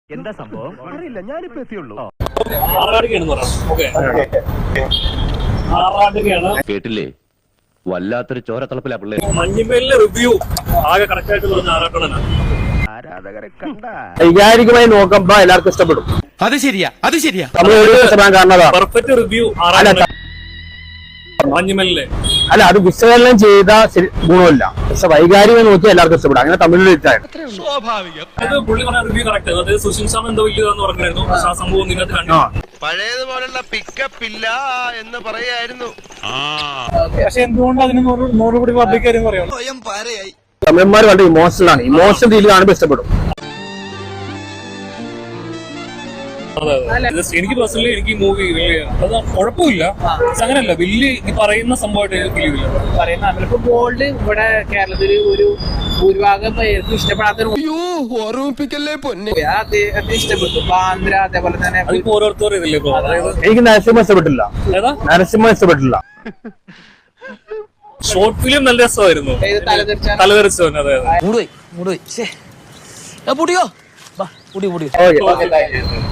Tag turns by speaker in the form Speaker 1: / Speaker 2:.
Speaker 1: എന്താ സംഭവം അറിയില്ല, ഞാനിപ്പോ എത്തിയുള്ളൂ.
Speaker 2: കേട്ടില്ലേ, വല്ലാത്തൊരു ചോരത്തളപ്പിലാ പിള്ളേ.
Speaker 3: മഞ്ഞിമേലിലെ റിവ്യൂ ആകെ കറക്റ്റ് ആയിട്ട് പറഞ്ഞ ആറാട്ടണനാ.
Speaker 1: ആരാധകരെ കണ്ട
Speaker 4: വൈകാരികമായി നോക്കുമ്പോ എല്ലാവർക്കും ഇഷ്ടപ്പെടും.
Speaker 5: അത് ശരിയാ, അത് ശരിയാ.
Speaker 4: കാരണം
Speaker 3: പെർഫെക്റ്റ് റിവ്യൂ മഞ്ഞിമേലിലെ
Speaker 4: അല്ല, അത് വിശകലനം ചെയ്ത ഗുണമില്ല, പക്ഷെ വൈകാരികം നോക്കി എല്ലാവർക്കും ഇഷ്ടപ്പെടും. അങ്ങനെ തമിഴിൽ
Speaker 5: സ്വാഭാവികം.
Speaker 3: അത് പുള്ളി പറഞ്ഞ റിവ്യൂ കറക്റ്റ്. അതായത് സുശീൽ സാർ എന്തോ വലിയതെന്ന് പറഞ്ഞായിരുന്നു. പക്ഷെ ആ സംഭവം നിങ്ങൾക്ക് കണ്ടു.
Speaker 6: പഴയതുപോലുള്ള പിക്കപ്പ് ഇല്ല എന്ന് പറയായിരുന്നു.
Speaker 3: പക്ഷെ എന്തുകൊണ്ട് അതിന് 100 കോടി പബ്ലിക് കാര്യം പറയാം.
Speaker 4: തമിഴന്മാർ വളരെ ഇമോഷണൽ ആണ്. ഇമോഷണൽ രീതിയിൽ കാണുമ്പോൾ ഇഷ്ടപ്പെടും.
Speaker 3: എനിക്ക് പേഴ്സണലി എനിക്ക് ഈ മൂവി വലിയ അത് കുഴപ്പമില്ല. അങ്ങനെയല്ല വലിയ ഈ പറയുന്ന സംഭവമായിട്ട് ഫീൽ ചെയ്തില്ല.
Speaker 7: ഗോൾഡ് ഇവിടെ കേരളത്തില് ഒരു ഭൂരിഭാഗം പേർക്ക് ഇഷ്ടപ്പെടാത്തൊരു ഇഷ്ടപ്പെട്ടു. ബാന്ദ്ര അതേപോലെ തന്നെ
Speaker 3: അതിപ്പോ ഓരോരുത്തരും ഇതില്ലേ ഇപ്പൊ. അതായത്
Speaker 4: എനിക്ക് നരസിംഹ ഇഷ്ടപ്പെട്ടില്ല.
Speaker 3: ഏതാ
Speaker 4: നരസിംഹ ഇഷ്ടപ്പെട്ടില്ല.
Speaker 3: ഷോർട്ട് ഫിലിം നല്ല രസമായിരുന്നു. തലതെറിച്ചവൻ. അതെ
Speaker 5: മൂടുപോയി.
Speaker 4: ഓക്കെ.